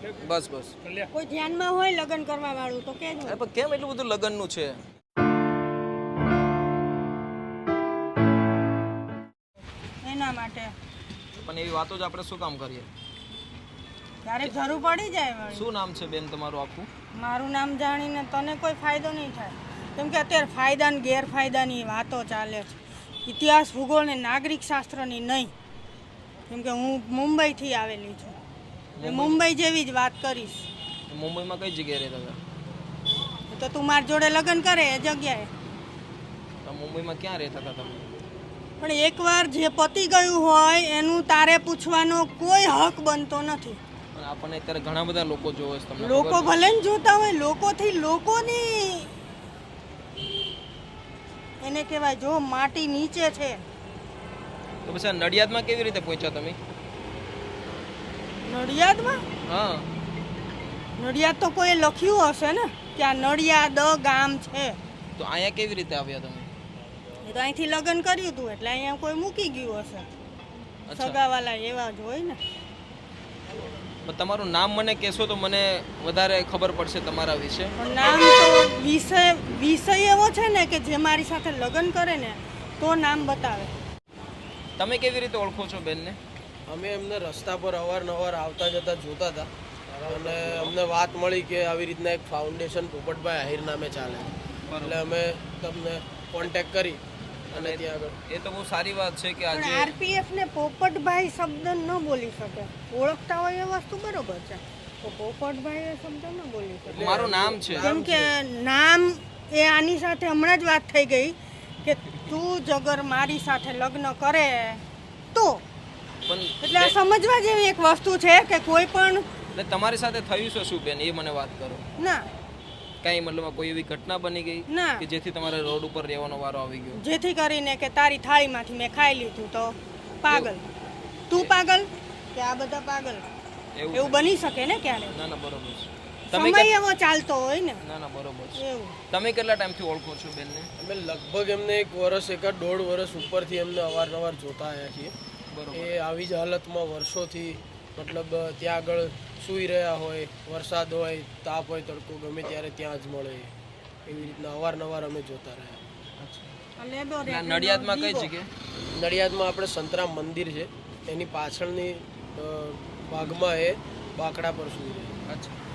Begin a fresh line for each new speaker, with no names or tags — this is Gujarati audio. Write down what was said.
બસ બસ.
કોઈ ધ્યાનમાં હોય લગ્ન કરવા વાળું તો કેજો.
અરે પણ કેમ એટલું બધું લગ્નનું છે?
એના માટે
પણ એવી વાતો જ આપણે શું કામ કરીએ?
ક્યારેક જરૂર પડી જાય વળી.
શું નામ છે બેન તમારું આખું?
મારું નામ જાણીને તને કોઈ ફાયદો નહીં થાય, કેમ કે અત્યારે ફાયદા ને ગેરફાયદાની વાતો ચાલે છે. ઇતિહાસ, ભૂગોળ ને નાગરિક શાસ્ત્રની નહીં, કેમ કે હું મુંબઈથી આવેલી છું. મુંબઈ જેવી જ વાત કરીશ.
મુંબઈમાં કઈ જગ્યાએ રહેતા હતા?
તો તું મારી જોડે લગ્ન કરે એ જગ્યાએ.
તો મુંબઈમાં ક્યાં રહેતા હતા તમે?
પણ એકવાર જે પતી ગયું હોય એનું તારે પૂછવાનો કોઈ હક બનતો નથી.
પણ આપણને અત્યારે ઘણા બધા લોકો જોવે છે, તમને
લોકો
ખબર છે?
ભલે ને જોતા હોય, લોકોથી લોકોની એને કહેવાય જો માટી નીચે છે.
તો પછી આ નડિયાદમાં કેવી રીતે પહોંચ્યા તમે?
નડિયાદમાં
હા,
નડિયાદ તો કોઈ લખ્યું હશે ને કે આ નડિયાદ ગામ છે.
તો અહીંયા કેવી રીતે આવ્યા તમે?
એ તો અહીંથી લગ્ન કર્યું હતું એટલે અહીંયા કોઈ મૂકી ગયું હશે.
અચ્છા.
સગાવાલા એવા જ હોય ને.
પણ તમારું નામ મને કહેશો તો મને વધારે ખબર પડશે તમારા વિશે.
પણ નામ તો વિષય એવો છે ને કે જે મારી સાથે લગ્ન કરે ને તો નામ બતાવે.
તમે કેવી રીતે ઓળખો છો બેનને?
અમે એમને રસ્તા પર અવારનવાર આવતા જતા જોતા હતા અને અમને વાત મળી કે આવી રીતના એક ફાઉન્ડેશન પોપટભાઈ આહિર નામે ચાલે, એટલે અમે તમને કોન્ટેક્ટ કરી અને ત્યાં આગળ.
એ તો બહુ સારી વાત છે કે
પણ
આજે
આરપીએફ ને પોપટભાઈ શબ્દ ન બોલી શકે. ઓળખતા હોય એ વસ્તુ બરોબર છે, તો પોપટભાઈ એ શબ્દ ન બોલી શકે.
મારું નામ છે.
કેમ કે નામ એ આની સાથે હમણાં જ વાત થઈ ગઈ કે તું જગર મારી સાથે લગ્ન કરે તો,
પણ
એટલે આ સમજવા જેવી એક વસ્તુ છે કે કોઈ પણ
એટલે તમારી સાથે થયું છે શું બેન, એ મને વાત કરો.
ના
કઈ મતલબ કોઈ એવી ઘટના બની ગઈ
ના
કે જેથી તમારે રોડ ઉપર રહેવાનો વારો આવી ગયો?
જેથી કરીને કે તારી થાળીમાંથી મેં ખાઈ લીધું તો પાગલ. તું પાગલ કે આ બધા પાગલ? એવું બની શકે ને ક્યારે.
ના ના બરોબર છે. તમે
સમય એવો ચાલતો હોય ને.
ના ના બરોબર છે.
એવું
તમે કેટલા ટાઈમથી ઓળખો છો બેનને?
અમે લગભગ એમને 1 વર્ષ 1.5 વર્ષ ઉપરથી એમને અવારનવાર જોતા આવ્યા છીએ.
બરોબર.
એ આવી જ હાલતમાં વર્ષોથી મતલબ ત્યાં આગળ સૂઈ રહ્યા હોય, વરસાદ હોય, તાપ હોય, તડકો ગમે ત્યારે ત્યાં જ મળે, એવી રીતના અવારનવાર અમે જોતા રહ્યા.
નડિયાદમાં કઈ જગ્યાએ?
નડિયાદમાં આપણે સંતરામ મંદિર છે એની પાછળની ભાગમાં એ બાકડા પર સૂઈ રહે.
અચ્છા.